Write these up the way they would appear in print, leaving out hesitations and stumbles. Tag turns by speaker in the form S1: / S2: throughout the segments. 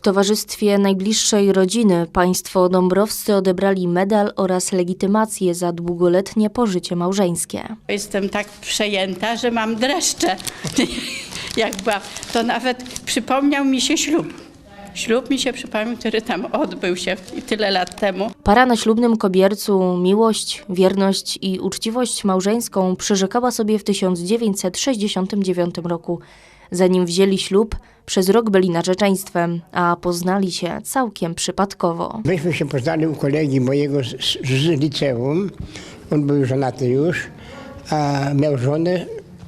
S1: towarzystwie najbliższej rodziny państwo dąbrowscy odebrali medal oraz legitymację za długoletnie pożycie małżeńskie.
S2: Jestem tak przejęta, że mam dreszcze. To nawet przypomniał mi się ślub. Ślub mi się przypomniał, który tam odbył się tyle lat temu.
S1: Para na ślubnym kobiercu miłość, wierność i uczciwość małżeńską przyrzekała sobie w 1969 roku. Zanim wzięli ślub, przez rok byli narzeczeństwem, a poznali się całkiem przypadkowo.
S3: Myśmy się poznali u kolegi mojego z liceum. On był żonaty już, a miał żonę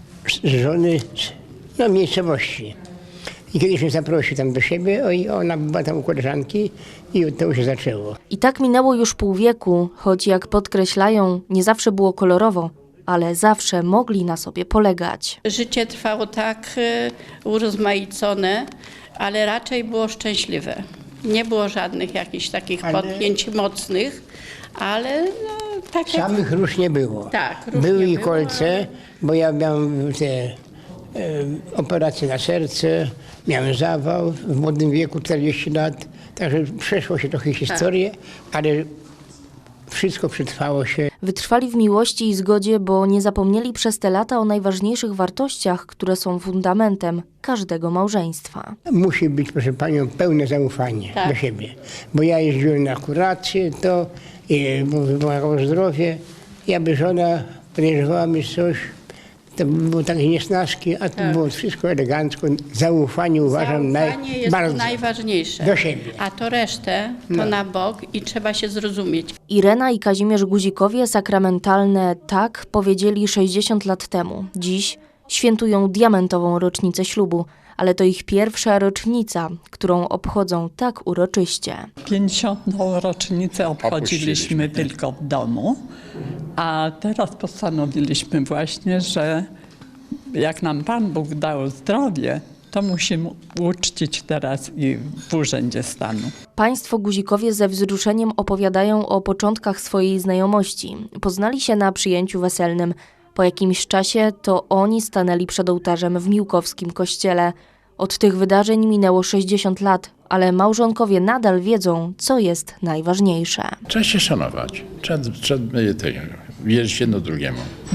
S3: z miejscowości. I kiedyś mnie zaprosił tam do siebie, i ona była tam u koleżanki i to się zaczęło.
S1: I tak minęło już pół wieku, choć jak podkreślają, nie zawsze było kolorowo, ale zawsze mogli na sobie polegać.
S2: Życie trwało tak urozmaicone, ale raczej było szczęśliwe. Nie było żadnych jakichś takich potknięć mocnych, ale tak jak...
S3: Samych róż nie było.
S2: Tak, róż
S3: Były
S2: nie
S3: i
S2: było,
S3: kolce, bo ja miałem te operacje na serce, miałem zawał w młodym wieku, 40 lat, także przeszło się trochę historię, ale wszystko przetrwało się.
S1: Wytrwali w miłości i zgodzie, bo nie zapomnieli przez te lata o najważniejszych wartościach, które są fundamentem każdego małżeństwa.
S3: Musi być, proszę panią, pełne zaufanie do siebie. Bo ja jeździłem na kurację, bo wymagało zdrowie. Ja by żona podejrzewała mi coś, to było takie niesnaski, a to było wszystko elegancko. Zaufanie uważam
S2: jest
S3: bardzo
S2: najważniejsze.
S3: do siebie.
S2: A to resztę to na bok i trzeba się zrozumieć.
S1: Irena i Kazimierz Guzikowie sakramentalne tak powiedzieli 60 lat temu. Dziś świętują diamentową rocznicę ślubu, ale to ich pierwsza rocznica, którą obchodzą tak uroczyście.
S4: 50. rocznicę obchodziliśmy tylko w domu, a teraz postanowiliśmy właśnie, że jak nam Pan Bóg dał zdrowie, to musimy uczcić teraz i w Urzędzie Stanu.
S1: Państwo Guzikowie ze wzruszeniem opowiadają o początkach swojej znajomości. Poznali się na przyjęciu weselnym. Po jakimś czasie to oni stanęli przed ołtarzem w miłkowskim kościele. Od tych wydarzeń minęło 60 lat, ale małżonkowie nadal wiedzą, co jest najważniejsze.
S5: Trzeba się szanować, trzeba wierzyć jedno drugiemu.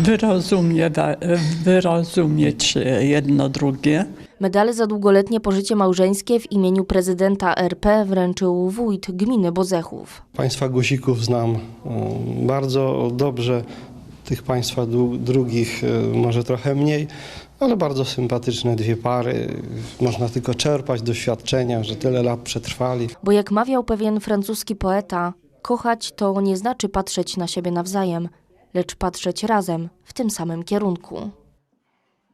S4: Wyrozumieć jedno drugie.
S1: Medale za długoletnie pożycie małżeńskie w imieniu prezydenta RP wręczył wójt gminy Bodzechów.
S6: Państwa Guzików znam bardzo dobrze, tych państwa drugich może trochę mniej, ale bardzo sympatyczne dwie pary. Można tylko czerpać doświadczenia, że tyle lat przetrwali.
S1: Bo jak mawiał pewien francuski poeta, kochać to nie znaczy patrzeć na siebie nawzajem, lecz patrzeć razem w tym samym kierunku.